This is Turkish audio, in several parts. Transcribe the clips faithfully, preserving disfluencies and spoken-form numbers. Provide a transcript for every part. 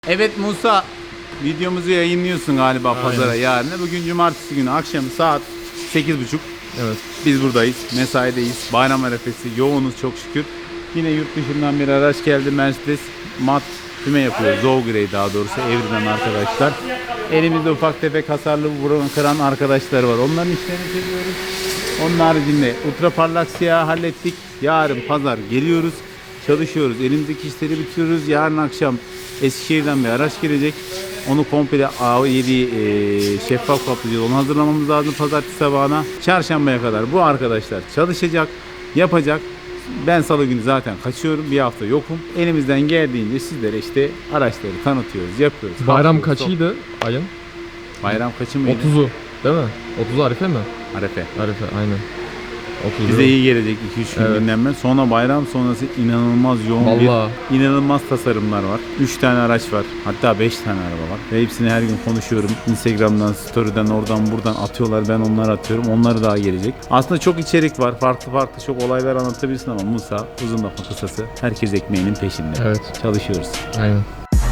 Evet Musa, videomuzu yayınlıyorsun galiba Aynen. pazara yarın. Bugün cumartesi günü akşam saat sekiz buçuk. Evet. Biz buradayız, mesaideyiz. Bayram arefesi, yoğunuz çok şükür. Yine yurt dışından bir araç geldi, Mercedes mat füme yapıyor. Zow Grey daha doğrusu, Evri'den arkadaşlar. Elimizde ufak tefek hasarlı vuran kıran arkadaşlar var. Onların işlerini seviyoruz. Onun haricinde ultra parlak siyah hallettik. Yarın pazar geliyoruz. Çalışıyoruz. Elimizdeki işleri bitiriyoruz. Yarın akşam Eskişehir'den bir araç gelecek. Onu komple A yedi e, şeffaf kaplayacağız. Onu hazırlamamız lazım pazartesi sabahına. Çarşambaya kadar bu arkadaşlar çalışacak, yapacak. Ben salı günü zaten kaçıyorum. Bir hafta yokum. Elimizden geldiğince sizlere işte araçları tanıtıyoruz, yapıyoruz. Bayram Hafta sonu- kaçıydı ayın? Bayram kaçı mıydı? otuzu değil mi? otuzu Arife mi? Arefe. Arife aynen. otuz Bize iyi gelecek iki üç gün Evet. dinlenme. Sonra bayram sonrası inanılmaz yoğun Vallahi. bir, inanılmaz tasarımlar var. üç tane araç var. Hatta beş tane araba var. Ve hepsini her gün konuşuyorum. Instagram'dan, story'den, oradan buradan atıyorlar. Ben onları atıyorum. Onları daha gelecek. Aslında çok içerik var. Farklı farklı çok olaylar anlatabilirsin ama Musa uzun lafın kısası. Herkes ekmeğinin peşinde. Evet. Çalışıyoruz. Aynen.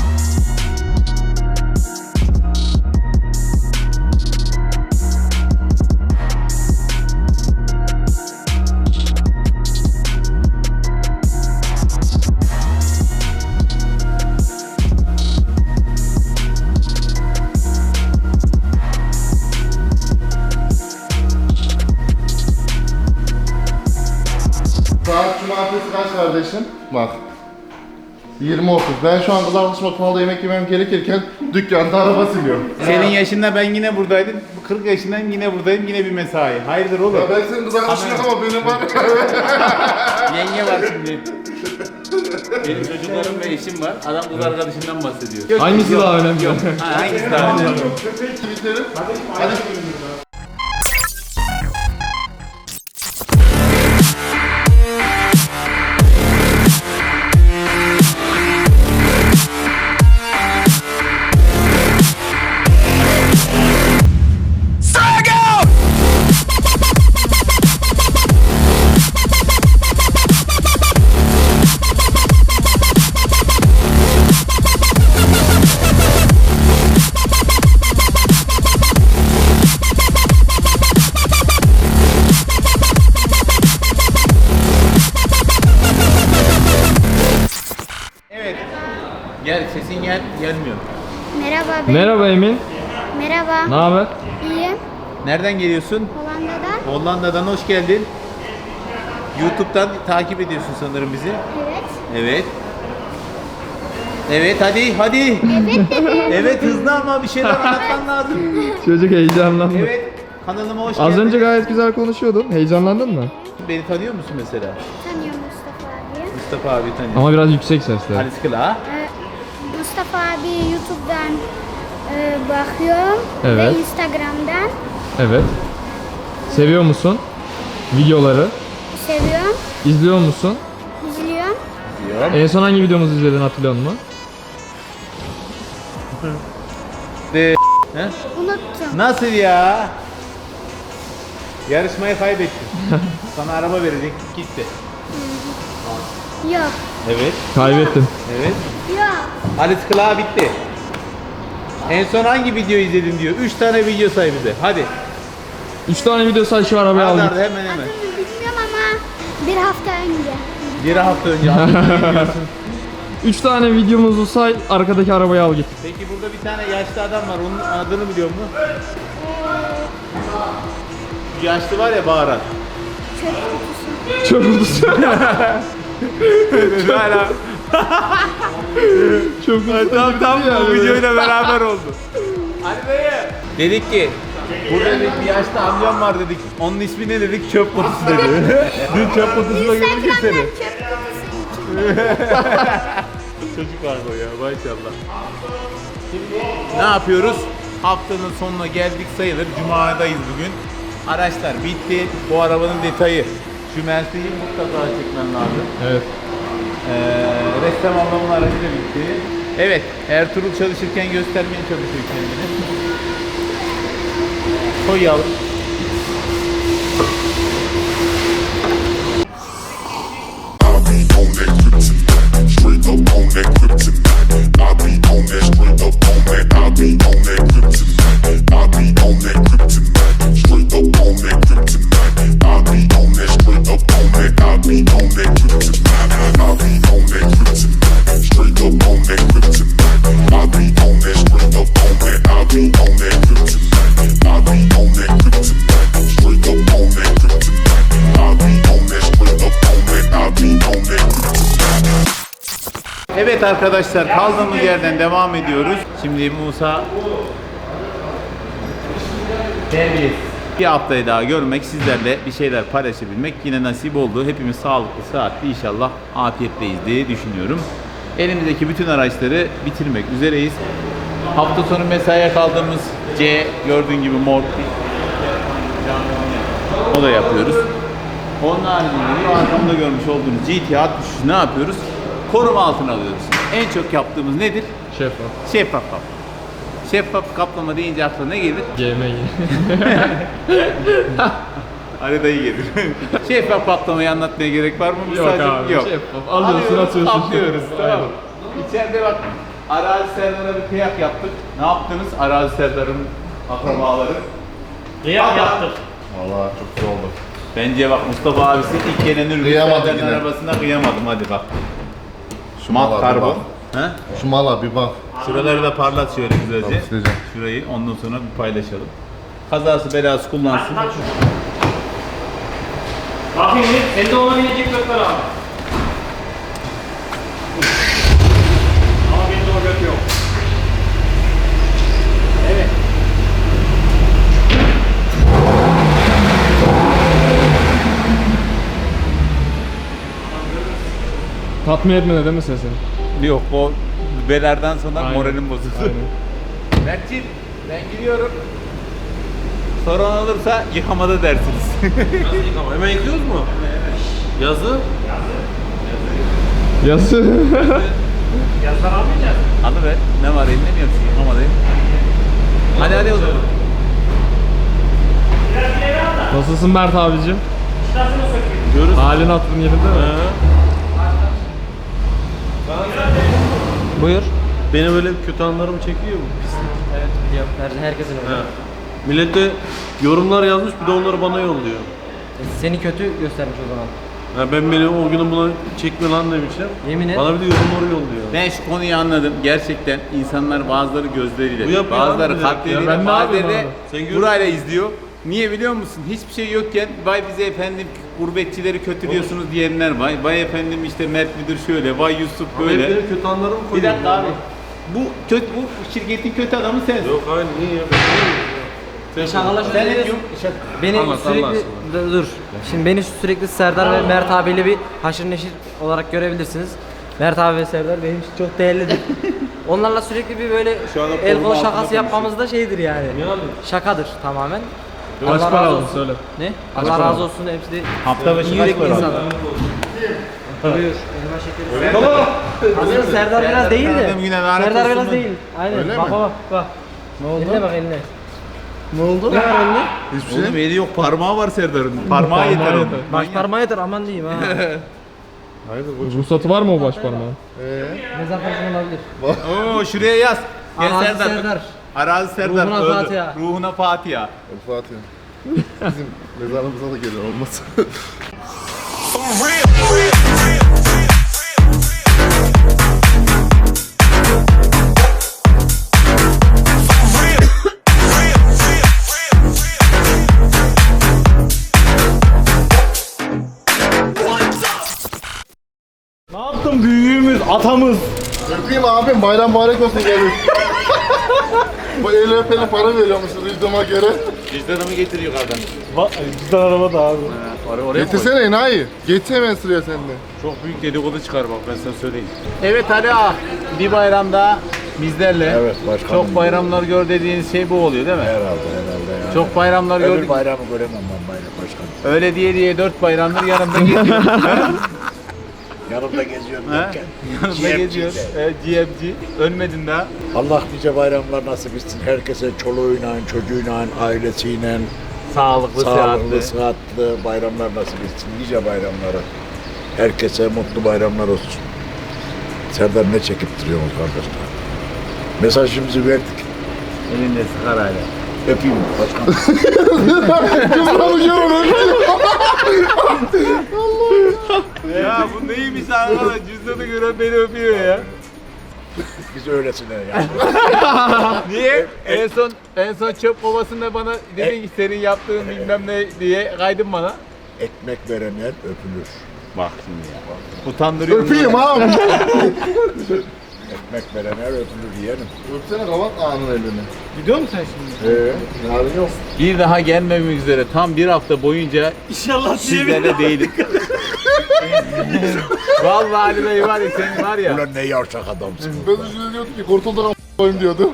Saat cumartesi kaç kardeşim? Bak. yirmi otuz. Ben şu an kız arkadaşım otomalda yemek yemem gerekirken dükkanda araba siliyorum. Senin yaşında ben yine buradaydım. kırk yaşındayım yine buradayım. Yine bir mesai. Hayırdır oğlum? Ya ben senin kız arkadaşın yok ama benim var. Yenge var şimdi. Benim çocuklarım ve eşim var. Adam kız arkadaşından bahsediyor. Hangisi Yok, daha önemli? Yok. Ha, hangisi daha önemli? Twitter'ı. Hadi. Evet. Gel sesin gel gelmiyor. Merhaba ben. Merhaba Emin. Merhaba. Ne haber? İyiyim. Nereden geliyorsun? Hollanda'dan. Hollanda'dan hoş geldin. YouTube'dan takip ediyorsun sanırım bizi. Evet. Evet. Evet hadi hadi. Evet dedim. Evet hızlı ama bir şeyler anlatman lazım. Çocuk heyecanlandı. Evet. Kanalıma hoş Az geldin. önce gayet güzel konuşuyordun. Heyecanlandın mı? Beni tanıyor musun mesela? Tanıyorum Mustafa abi. Mustafa abi tanıyor. Ama biraz yüksek sesle. Halis Kıla. Ee, Mustafa abi YouTube'dan e, bakıyorum. Evet. Ve Instagram'dan Evet. Seviyor musun videoları? seviyorum. İzliyor musun? İzliyorum. Diyor. En son hangi videomuzu izledin hatırlıyor musun? De He? Unuttum. Nasıl ya? Yarışmayı kaybettin. Sana araba verecektik gitti. Yok. Evet. Kaybettin. Evet. Yok. Halis Kıla bitti. En son hangi video izledin diyor. üç tane video say bize. Hadi. üç tane video say şu arabayı Hadi al hadi git. hemen hemen. Adını bilmiyorum ama bir hafta önce. Bir hafta önce adını bilmiyorsun. üç tane videomuzu say, arkadaki arabayı al git. Peki burada bir tane yaşlı adam var. Onun adını biliyor musun? Şu yaşlı var ya bağıran. Çöp kutusu. Çöp kutusu. Hala. Çöp kutusu. Tam tam bu videoyla beraber oldu. Ali dayı. Dedik ki burada dedik bir yaşlı amcam var dedik. Onun ismi ne dedik? Çöp kutusu dedi. Dün çöp kutusuna görmüştük seni. Instagram'dan çöp kutusu. Çocuk var bu ya maşallah. Şimdi ne yapıyoruz? Haftanın sonuna geldik sayılır. Cuma'dayız bugün. Araçlar bitti. Bu arabanın detayı. Şu Mercedes'i mutlaka çekmem lazım. Evet. Ee, ressam ablamın aracı da bitti. Evet, Ertuğrul çalışırken göstermeye çalışıyor kendini. Koy yavrum. I'll be on that kryptonite, straight up on that kryptonite. I be on that straight up on that. I be on that kryptonite. I be on that kryptonite. Straight up on that kryptonite. I be on that straight up on that. I be on that kryptonite. I be on that kryptonite. Straight up on that kryptonite. I be on that straight up on that. I be on that kryptonite. I be on that kryptonite. Straight up on that kryptonite. I be on that straight up on that. I be on that kryptonite. Evet arkadaşlar, kaldığımız yerden devam ediyoruz. Şimdi Musa terbiyesiz. Bir haftayı daha görmek, sizlerle bir şeyler paylaşabilmek yine nasip oldu. Hepimiz sağlıklı, sıhhatli, inşallah afiyetteyiz diye düşünüyorum. Elimizdeki bütün araçları bitirmek üzereyiz. Hafta sonu mesaiye kaldığımız C, gördüğün gibi mor. O da yapıyoruz. Onun haricinde arkamda görmüş olduğunuz G T altmış üç ne yapıyoruz? Koruma altına alıyoruz. En çok yaptığımız nedir? Şeffaf. Şeffaf kaplama. Şeffaf kaplama deyince aklına ne gelir? G M G. Haritayı gelir. Şeffaf kaplamayı anlatmaya gerek var mı? Yok Sadece- abi, Yok. şeffaf. Alıyorsun, atıyorsun. Kaplıyoruz. Tamam. Aynen. İçeride bak, Arazi Serdar'a bir kıyak yaptık. Ne yaptınız? Arazi Serdar'ın akrabaları. Kıyak yaptık. Vallahi çok güzel oldu. Bence bak, Mustafa abisi ilk gelen ürün Kıyamadı Serdar'ın yine. arabasına kıyamadım. Hadi bak. Şu mala Mat bir karbon. bak. Ha? Şu mala bir bak. Şuraları da parlat şöyle güzelce. Tamam, sileceğim. Şurayı ondan sonra bir paylaşalım. Kazası belası kullansın. Aç şunu. Bakayım bir, elde olabilecek gökler abi. Ama bende o gök yok. Evet. Tatmin etmedi değil mi sesi? Yok, o biberlerden sonra Aynen. moralim bozuldu. Aynen. Mert'ciğim, ben gidiyorum. Sorun olursa yıkamada dersiniz. Nasıl yıkama? Hemen yıkıyoruz mu? Yazı? Yazı. Yazdan almayacağız. Alıver. Ne var elinde mi yapıyorsun? Yıkamadayım. Hadi hadi o zaman. Biraz ileri al da. Nasılsın Mert abicim? Çıtasını sökeyim. Diyoruz. Halin aklın yerinde mi? Buyur. Beni böyle kötü anlarım çekiyor mu? Evet biliyorum. Her, herkesin öyle. Ha. Millet de yorumlar yazmış, bir de onları bana yolluyor. E, Seni kötü göstermiş o zaman. Ha, ben beni o günün buna çekme lan demişler. Yemin et. Bana bir de yorumları yolluyor. Ben şu konuyu anladım. Gerçekten insanlar bazıları gözleriyle, Bu yapıyor bazıları abi bir de. kalpleriyle, Ya ben ne bazıları yapayım da abi? Sen görüyorsun. burayla izliyor. Niye biliyor musun? Hiçbir şey yokken vay bize efendim gurbetçileri kötülüyorsunuz diyenler var. Vay efendim işte Mert müdür şöyle, vay Yusuf Ama hep böyle. benim kötü anlarımı Bir koyuyor. dakika abi. Bu kötü, bu şirketin kötü adamı sensin. Yok hayır, niye ya? Sen şakalar Sen ne şöyle diyorsun? Beni Anlat, sürekli anlat dur, dur. Şimdi beni sürekli Serdar ve Mert abiyle bir haşır neşir olarak görebilirsiniz. Mert abi ve Serdar benim için çok değerlidir. Onlarla sürekli bir böyle Şu anda el koruma kol altında şakası yapmamız da şeydir yani. Ne abi? Şakadır tamamen. Kaç para aldın söyle. Ne? Kaç Allah para razı aldın? olsun hepsi de Hafta başı iyi kaç yürekli para aldın? insanlar. Buyur. Elma şekeri. Tamam. Aslında Serdar biraz değil de. Tanıdığım güne lanet Serdar olsun biraz mu? değil. Aynen. Öyle bak mi? bak bak. Ne oldu? Eline bak eline. Ne oldu? Ne var elinde? Hiçbir şey. Oğlum eli yok, parmağı var Serdar'ın. Parmağı yeter onun. yeter. Baş parmağı yeter aman diyeyim ha. Hayırdır bu? Ruhsatı var mı o baş parmağın? Eee? Mezar taşı olabilir. Oo, şuraya yaz. Gel Arazi Serdar. Serdar. Arazi Serdar. Ruhuna öldü. Fatiha. Ruhuna Fatiha. El Fatiha. Bizim mezarımıza da gelir olmaz. Ne yaptın büyüğümüz, atamız? Öpeyim abim, bayram mübarek olsun gelin. Bu el öpene para veriyormuşuz videoma göre. Cüzdanımı getir yukarıdan. Bak, bizden araba da abi. Oraya Getirsene enayi. Getir hemen sıraya sende. Çok büyük dedikodu çıkar bak, ben sana söyleyeyim. Evet Ali ağa, bir bayramda bizlerle. Evet başkanım. Çok bayramlar gör dediğiniz şey bu oluyor değil mi? Herhalde herhalde yani. Çok bayramlar Öbür gördük. bayramı göremem ben bayram başkanım. Öyle diye diye dört bayramdır yanımda geziyor. Yanımda geziyorum Ha? derken. yanımda G M G'de. geziyor. Evet, G M G. Ölmedin daha. Allah nice bayramlar nasip etsin. Herkese çoluğuyla, çocuğuyla, ailesiyle Sağlıklı, sağlıklı, sıhhatli. sıhhatli bayramlar nasip etsin. Nice bayramları. Herkese mutlu bayramlar olsun. Serdar ne çekip duruyorsunuz kardeşler? Mesajımızı verdik. Elinde sigarayla. Öpeyim başkanım. Ya bu neymiş arkadaş? Cüzdanı gören beni öpüyor ya. Biz öylesine yani. Niye? En son en son çöp kovasında bana dedin ki senin yaptığın bilmem ne diye kaydın bana. Ekmek verenler öpülür. Bak şimdi ya. Utandırıyor. Öpeyim abi. Ekmek verenler öpülür yeğenim. Öpsene kapat ağanın elini. Gidiyor musun sen şimdi? Ee, yarın yok. Bir daha gelmemek üzere tam bir hafta boyunca İnşallah sizlerle değilim. Vallahi Ali Bey var ya senin var ya. Ulan ne yavşak adamsın. Ben de şöyle diyordum ki kurtulduk a**ayım diyordum.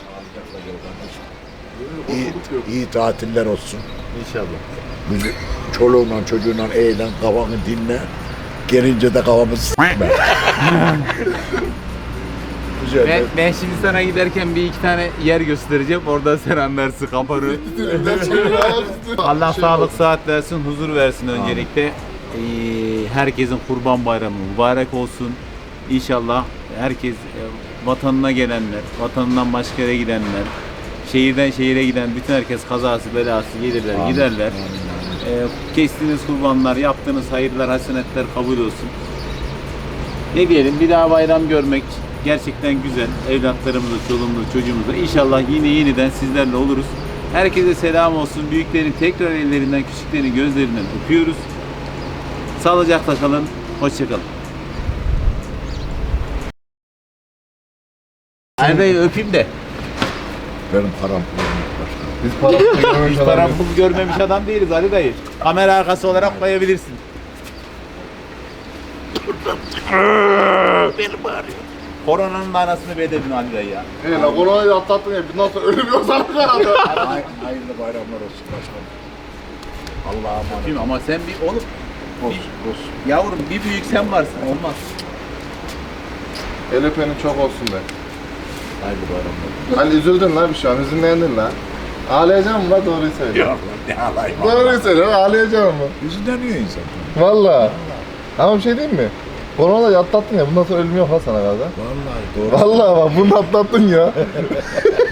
İyi, iyi tatiller olsun. İnşallah. Bizi çoluğunla çocuğunla eğlen, kafanı dinle. Gelince de kafamı s**me. Güzel. Ben, ben şimdi sana giderken bir iki tane yer göstereceğim. Orada sen anlarsın kapanı. Allah sağlık saat versin, huzur versin öncelikle. Ee, herkesin Kurban Bayramı mübarek olsun. İnşallah herkes e, vatanına gelenler, vatanından başka yere gidenler, şehirden şehire giden bütün herkes kazası belası gelirler, Amin. giderler. Amin, amin. Ee, kestiğiniz kurbanlar, yaptığınız hayırlar, hasenetler kabul olsun. Ne diyelim, bir daha bayram görmek gerçekten güzel. Evlatlarımızla, çoluğumuzla, çocuğumuzla. İnşallah yine yeniden sizlerle oluruz. Herkese selam olsun. Büyüklerin tekrar ellerinden, küçüklerin gözlerinden öpüyoruz. Sağlıcakla kalın. Hoşça kalın. Ali Bey öpeyim de. Benim param pulum yok başkanım. Biz para Biz param pul görmemiş adam değiliz Ali dayı. Kamera arkası olarak koyabilirsin. Benim ağrıyor. Koronanın anasını bededin Ali dayı ya. He la koronayı atlattın ya. Bundan sonra ölüm yok sana kaldı. Hay- Hayırlı bayramlar olsun başkanım. Allah'a emanet. Öpeyim ama sen bir oğlum Olsun, olsun. yavrum bir büyük sen varsın olmaz. El öpenin çok olsun be. Hayırlı bayramlar. Hani üzüldün la bir şu an, hüzünlendin la. Ağlayacak mısın la doğruyu söyle. Yok lan ne alayım. Doğruyu söyle, ağlayacak mısın? Yüzündeniyor insan. Valla. Ama bir şey diyeyim mi? Koronayı atlattın ya, bundan sonra ölüm yok ha sana galiba. Vallahi doğru. Vallahi bak bunu atlattın ya.